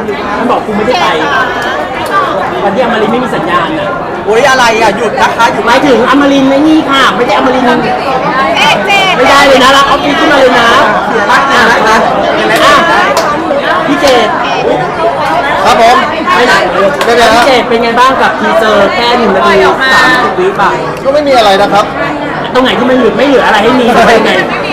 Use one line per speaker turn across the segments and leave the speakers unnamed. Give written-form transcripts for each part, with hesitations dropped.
มันบอกกูไม่ได้ไปวันที่อมรินทร์ไม่มีสัญญาณนะ
โอ้ยอะไรอ่ะหยุดนะคะหยุด
หมายถึงอมรินทร์ไม่นี่ค่ะไม่ได้อมรินทร์ไม่ได้เลยนะรับออฟฟิศขึ้นมาเลยนะเสียมากนะพี่เจด
ครับผม
ไม่ไหนพี่เจดเป็นไงบ้างกับทีเซอร์แค่1 นาที 30 วิป่ะ
ก็ไม่มีอะไรนะครับ
ตรงไหนที่มันไม่เหลืออะไรให้มีหรือเป็นไง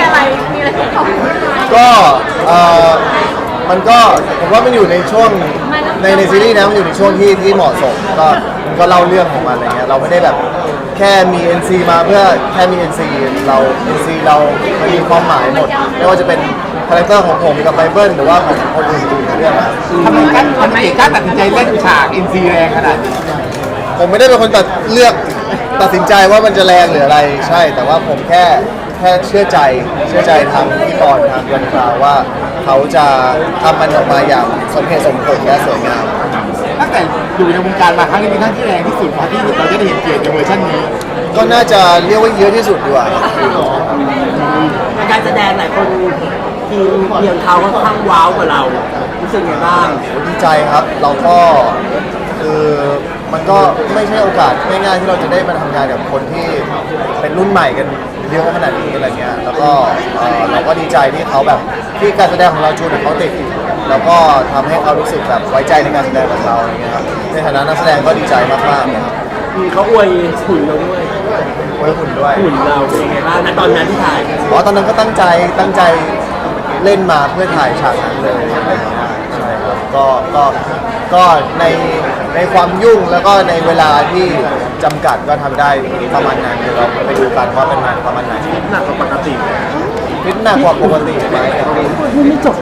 ก็มันก็ผมว่ามันอยู่ในช่วงในซีรีส์นะมันอยู่ในช่วงที่เหมาะสมก็เล่าเรื่องของมันอะไรเงี้ยเราไม่ได้แบบแค่มี NC มาเพื่อแค่มี NC เรา NC เรามันมีความหมายหมดไม่ว่าจะเป็นคาแรคเตอร์ของผมกับไบเบิลหรือว่าของคนอื่นๆในเรื่องนะ
ทำไมกล้าตัดสินใจเล่นฉาก NC แรงขนาดนี้
ผมไม่ได้เป็นคนตัดสินใจว่ามันจะแรงหรืออะไรใช่ แต่ว่าผมแค่เชื่อใจทางพี่กรณ์ทางยนต์คราวว่าเขาจะทำมันออกมาอย่างสมเหตุสมผลและสวยงาม
ตั้งแต่อยู่ในวงการมาครั้งนี้เป็นครั้งที่แรงที่สุดพอที่เราจะได้เห็นเกียรติในเวอร์ชันนี้
ก็น่าจะเรียกว่าเยอะที่สุดดีกว่า
ในการแสดงหลายคนทีมเพียงเขาค่อนข้างว้าวกว่าเรารู้สึกไงบ้าง
ดีใจครับเราก็คือมันก็ไม่ใช่โอกาสง่ายๆที่เราจะได้มาทำงานกับคนที่เป็นรุ่นใหม่กันเยอะขนาดนี้อะไรเงี้ยแล้วก็เราก็ดีใจที่เขาแบบที่การแสดงของเราจูนกับเขาติดแล้วก็ทำให้เขารู้สึกแบบไว้ใจในการแสดงของเราอะไรเงี้ยครับในฐานะนักแสดงก็ดีใจมากๆเลยครับ
เขาอวยหุ่นเราด้วย
ไว้หุ่นด้วย
หุ่นเราเป็นยังไงบ้างณตอนนั้นที่ถ่าย
ตอนนั้นก็ตั้งใจเล่นมาเพื่อถ่ายฉากนั้นเลยอะไรเงี้ยใช่ครับก็ในความยุ่งแล้วก็ในเวลาที่จำกัดก็ทำได้ประมาณนั้นเดี๋ยวเราไปดูกันว่าเป็นงานประมาณไหน
หนักกว่าปกติ
ฟิตหนักกว่าปกติไหม
ไม่จบ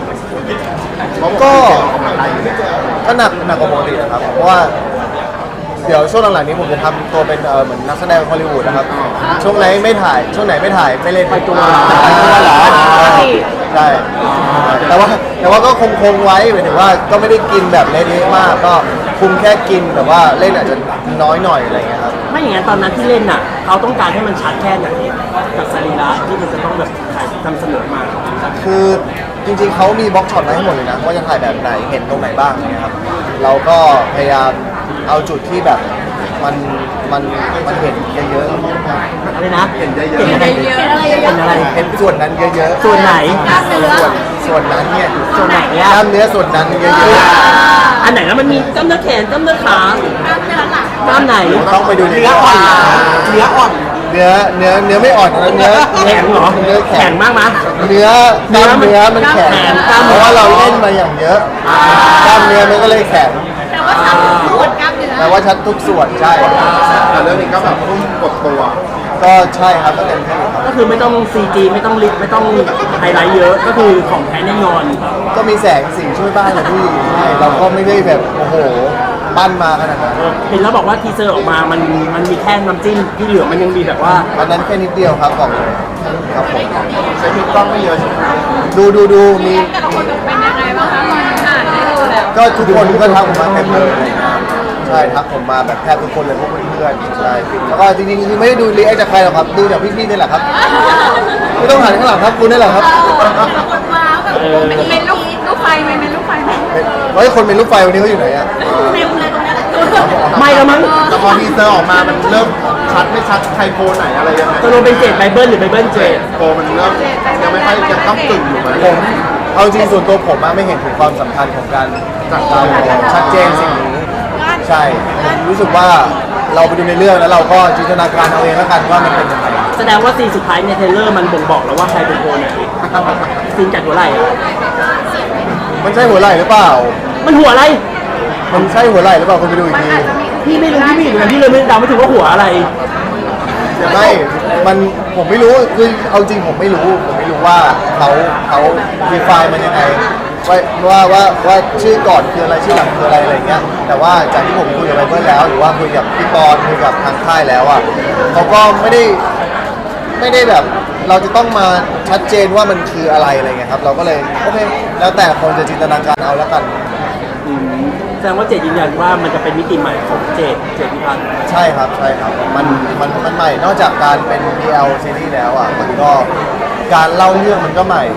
ก็หนักกว่าปกตินะครับเพราะว่าเดี๋ยวช่วงหลังๆนี้ผมจะทำตัวเป็นเหมือนนักแสดงฮอลลีวูดนะครับช่วงไหนไม่ถ่ายไม่เล่น
ไปตัว
เหรอใช่แต่ว่าก็คงไว้หมายถึงว่าก็ไม่ได้กินแบบเละๆมากก็คุมแค่กินแต่ว่าเล่นอาจจะน้อยหน่อยอะไรเงี้ยครับ
ไม่อย่างนั้นตอนนั้นที่เล่นน่ะเขาต้องการให้มันชัดแค่ไหนกับสรีระที่มันจะต้องแบบถ่ายนำเสนอมา
คือจริงๆเขามีบล็อกช็อตมาให้หมดเลยนะว่าจะถ่ายแบบไหนเห็นตรงไหนบ้างเนี่ยครับเราก็พยายามเอาจุดที่แบบมันเห็นเยอะ
อะไรนะ
ๆเห็นเยอะ
เห็นอะไรเห็นอะไร
เห็นส่วนนั้นเยอะๆ
ส่วนไหน
ส่วนนั้นเนี่ย
ส่วนไหน
ก
อะ
ล้ามเนื้อส่วนนั้นเยอะ
อันไหนแล้วมันมีกล้ามเนื้อแขนกล้ามเนื้อขากล้ามไหน
ๆต้องไปดูใน
เนื้ออ่อนเนื้ออ่อน
เนื้อไม่อ่อนนะเนื้อ
แข็งเหรอ
เนื้อ
แข็งมากมั้ย
เนื้อกล้ามเนื้อมันแข็ง
กล้ามเนื้อ
เพราะว่าเราเล่นมาอย่างเยอะกล้ามเนื้อมันก็เลยแข็ง แต่ว่าชัดทุกส่วนใช่
แต่เรื่องนี้ก็แบบพุ่งกดตัว
ก็ใช่ครับก็เต็มที่ครับ
ก็คือไม่ต้อง CG ไม่ต้องลิฟไม่ต้องไฮไลท์เยอะก็คือของแท้แน่นอน
ก็มีแสงสีช่วยบ้างนะพี่ใช่เราก็ไม่ได้แบบโอ้โหปั้นมาขนาดนั้น
เห็นแล้วบอกว่าทีเซอร์ออกมามันมีแค่น้ำจิ้มที่เหลือมันยังมีแบบว่า
อันนั้นแค่นิดเดียวครับบอกเลยครับผม
ใช้พิกกล้องไม่เยอะใช่ไหม
ดูมี
แต่ละคนเป็นยังไงบ้างคะอ่านได้ดูแล้ว
ก็ทุกคนก็ทักผมมาเต็มเลยใช่ทักผมมาแบบแทบทุกคนเลยพวกเพื่อนๆใช่แล้วก็จริงๆคือไม่ได้ดูรีแอคจากใครหรอกครับดูจากพี่ๆนี่แหละครับไม่ต้องหันข้างหลังครับคุณนี่แหละครับ
คนว้าวแบบเป็นลูกไฟไหมเป็นลูกไฟไหม
เฮ้ยคนเป็นลูกไฟวันนี้เขาอยู่ไหนอ่ะ
เต็มเลยตรงนี้แหละ
ไม่แล้วมั้ง
แต่พอทีเซอร์ออกมามันเริ่มชัดไม่ชัดใครโพไหนอะไรยังไง
ตกลงเป็นเจดไบเบิลหรือไบเบิลเจด
โพมันเริ่มยังไม่ค่อยยังต้องตึงอยู่ไหม
ผมเอาจริงส่วนตัวผมไม่เห็นถึงความสำคัญของการจัดการชัดเจนสิ่งนี้ใช่ผมรู้สึกว่าเราไปดูในเรื่องแล้วเราก็จินตนาการเอาเองแล้วกันว่ามันเป็นยังไง
แสดงว่าซีนสุดท้ายในเทรลเลอร์มันบ่งบอกแล้วว่าใครเป็นโคไหนซีนจัดหัวไหล่อะ
มันใช่หัวไหล่หรือเปล่า
มันหัวอะไร
มันใช่หัวไหล่หรือเปล่าคุณไปดูอีกที
พี่ไม่รู้พี่ไม่รู้พี่เลยไม่เดาไม่ถูกว่าหัวอะไร
ไม่มันผมไม่รู้คือเอาจริงผมไม่รู้ว่าเขาดีไฟมันยังไงว่าชื่อก่อนคืออะไรชื่อหลังคืออะไรอะไรเงี้ยแต่ว่าจากที่ผมคุยกับไบเบิลแล้วหรือว่าคุยกับพี่ปอนคุยกับทางค่ายแล้วอ่ะเขาก็ไม่ได้แบบเราจะต้องมาชัดเจนว่ามันคืออะไรอะไรเงี้ยครับเราก็เลยโอเคแล้วแต่คนจะจินตนาการเอาแล้วกัน
แสดงว่าเจดยืนยันว่ามันจะเป็นมิติใหม่ของเจดพิพัฒน์
ใช่ครับมันใหม่นอกจากการเป็น BL ซีรีส์แล้วอ่ะมันก็การเล่าเรื่องมันก็ใหม่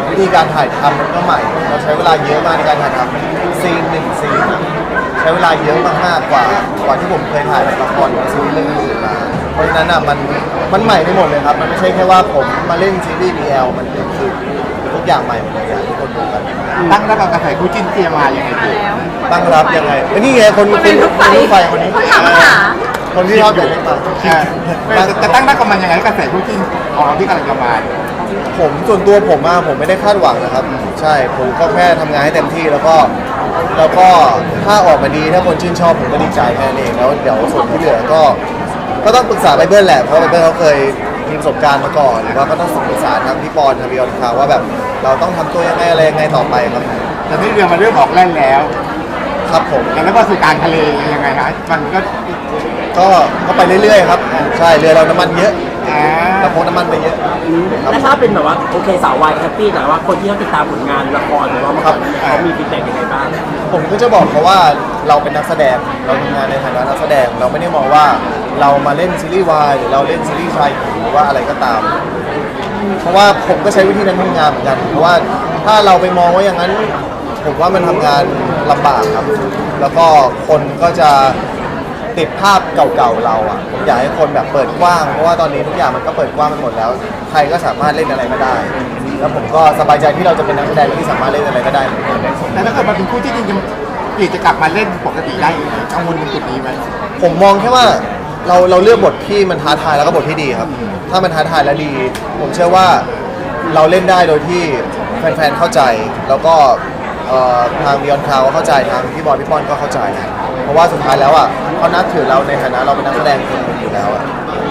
วิธีการถ่ายทำมันก็ใหม่เราใช้เวลาเยอะมากในการถ่ายทำซีนหนึ่งซีนอะใช้เวลาเยอะมากๆกว่าที่ผมเคยถ่ายละครหรือซีรีส์เรื่องอื่นมาเพราะฉะนั้นอ่ะมันใหม่ไปหมดเลยครับมันไม่ใช่แค่ว่าผมมาเล่นซีรีส์ BL มันคือทุกอย่างใหม่หมดเลยอยากให้ทุกคนดูกัน
ตั้งรับกับกระแสคู่จิ้นเทียมาอย่างไรดี
ตั้งรับยังไงนี่ไงคนรถไฟคนนี้
คนถามหา
คนที่ชอบแต่เล่นมา
จะตั้งรับกับมันยังไงกระแสคู่จิ้นของเราที่กำลังจะมา
ผมส่วนตัวผมอะผมไม่ได้คาดหวังนะครับใช่ผมก็แค่ทำงานให้เต็มที่แล้วก็ถ้าออกมาดีถ้าคนชื่นชอบผมก็ดีใจแค่นั้นเองแล้วเดี๋ยวส่วนที่เหลือก็ต้องปรึกษาไบเบิลแหละเพราะไบเบิลเขาเคยมีประสบการณ์มาก่อนหรือว่าก็ต้องปรึกษาทางพี่ปอนทางบิออนคาว่าแบบเราต้องทำตัวยังไงอะไรยังไงต่อไปครับ
แต่ที่เรือมาเริ่มออกแล่นแล้ว
ครับผม
แล้วก็สู่กลารทะเลยังไงฮะมัน
ก็ไปเรื่อยๆครับใช่เรือเราน้ำมันเยอะ
อ่า
เราพกน้ำมันไปเยอะครับ
แล้วถ้าเป็นแบบว่าโอเคสาววายแฮปปี้แต่ว่าคนที่เขาติดตามผลงานละครหรือว่ามาก่อนเขามีฟีดแบ็กยังไงบ้าง
ผมก็จะบอกเขาว่าเราเป็นนักแสดงเราทำงานในฐานะนักแสดงเราไม่ได้มองว่าเรามาเล่นซีรีส์วายหรือเราเล่นซีรีส์ชายหญิงหรือว่าอะไรก็ตาม เพราะว่าผมก็ใช้วิธีนั้นทำงานเหมือนกันเพราะว่าถ้าเราไปมองว่าอย่างนั้นผมว่ามันทำงานลำบากครับ แล้วก็คนก็จะติดภาพเก่าๆเราอ่ะผมอยากให้คนแบบเปิดกว้างเพราะว่าตอนนี้ทุกอย่างมันก็เปิดกว้างไปหมดแล้วใครก็สามารถเล่นอะไรก็ได้ แล้วผมก็สบายใจที่เราจะเป็นนักแสดงที่สามารถเล่นอะไรก็ได้เหมือนกัน
แต่ถ้าเกิดมาเป็นคู่จิ้นจริงๆจะกลับมาเล่นปกติได้กังวลตรงจุดนี้ไหม
ผมมองแค่ว่าเราเลือกบทที่มันท้าทายแล้วก็บทที่ดีครับ ถ้ามันท้าทายและดี ผมเชื่อว่าเราเล่นได้โดยที่แฟนๆเข้าใจ แล้วก็ทางบิออนคาวก็เข้าใจทางพี่บอยพี่ป้อนก็เข้าใจ เพราะว่าสุดท้ายแล้วอ่ะเขานับถือเราในฐานะเราเป็นนักแสดงคนหนึ่งอยู่แล้วอะ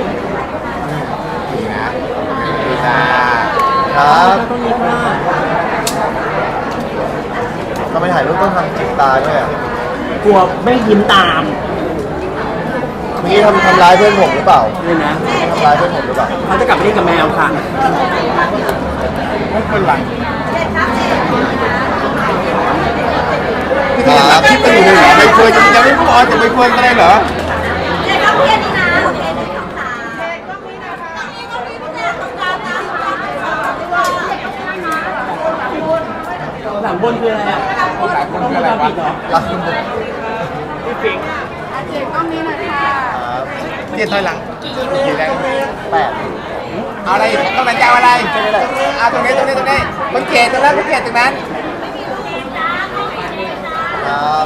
ดีนะดีจ้า
ครับทำไมถ่ายรูปต้องทำจิกตาด้วยอ่ะ
กลัวไม่ยิ้มตาม
เมื่อกี้ทำร้ายเพื่อนผมหรือเปล่า
เลยนะ
ทำร้ายเพื่อนผมหรือเปล่า
เขาจะกลับไปเล่นกับแมวค่ะ
ไม่เป็นไรพี่ยังรับคลิปกันอยู่เลยเหรอไม่เคยยังไม่พูดอ๋อจะไม่ควรกันเลยเหรอ
เจ๊ก็เพี้ยนนี่นะโอเคหนึ่งสองสามเจ๊ก็มีนะคะนี่ก็มีผู้ชายตรงกลางนะ
หลังบนคืออะไรอ่ะ
หลายคนคืออะไรวะ
รักคุณผม
เจ๊ก็มีนะคะ
เจียถอยหลังกี่แรง
แปด
เอาอะไรต้องมันจะเอาอะไรเอาตรงนี้มันเกตตรงนั้นมันเกตตรงนั้น
ครับ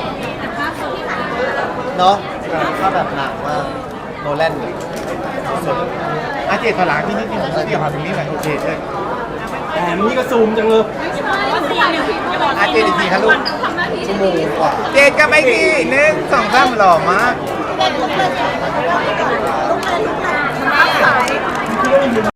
เนาะถ้าแบบหนักมากโนแลนสุด
อาเจียถอยหลังที่นี่เกี่ยวกับตรงนี้หน่อยโอเคเลย
แหมนี่ก็ซูมจังเลย
อาเจียอีกทีครับลูก
ชั่วโมงกว่า
เจดกับไอ้ที่1 2 3หล่อมาก
เจ๊ก็เพื่อน